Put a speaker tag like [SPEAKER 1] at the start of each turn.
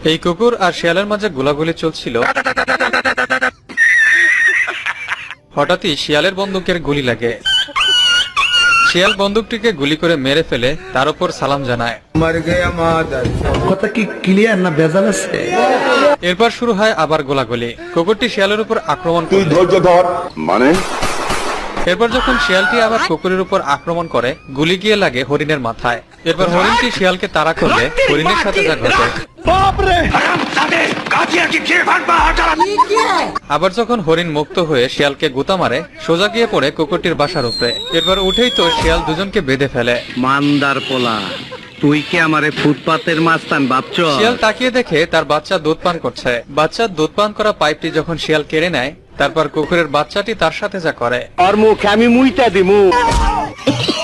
[SPEAKER 1] এই কুকুর আর শিয়ালের মাঝে গোলাগুলি চলছিল। হঠাৎই শিয়ালের বন্দুকের গুলি লাগে। শিয়াল বন্দুকটিকে গুলি করে মেরে ফেলে তার উপর সালাম জানায়।
[SPEAKER 2] কথা কি ক্লিয়ার না ভেজাল আছে?
[SPEAKER 1] এরপর শুরু হয় আবার গোলাগুলি। কুকুরটি শিয়ালের উপর আক্রমণ করে।
[SPEAKER 3] ধৈর্য ধর মানে
[SPEAKER 1] এরপর যখন শিয়ালটি আবার কুকুরের উপর আক্রমণ করে, গুলি গিয়ে লাগে হরিণের মাথায়। এরপর হরিণটি শিয়ালকে তাড়া করলে হরিণের সাথে যা ঘটে। আবার যখন হরিণ মুক্ত হয়ে শিয়ালকে গুতা মারে, সোজা গিয়ে পড়ে কুকুরটির বাসার উপরে। এরপর উঠেই তো শিয়াল দুজনকে বেঁধে ফেলে।
[SPEAKER 4] মান্দার পোলা, তুই কি আমারে ফুটপাতের মাস্তান ভাবছ?
[SPEAKER 1] শিয়াল তাকিয়ে দেখে তার বাচ্চা দুধ পান করছে। বাচ্চার দুধ পান করা পাইপটি যখন শিয়াল কেড়ে নেয়, তারপর কুকুরের বাচ্চাটি তার সাথে যা করে।
[SPEAKER 4] আর মুখে আমি মুইতা দিমু।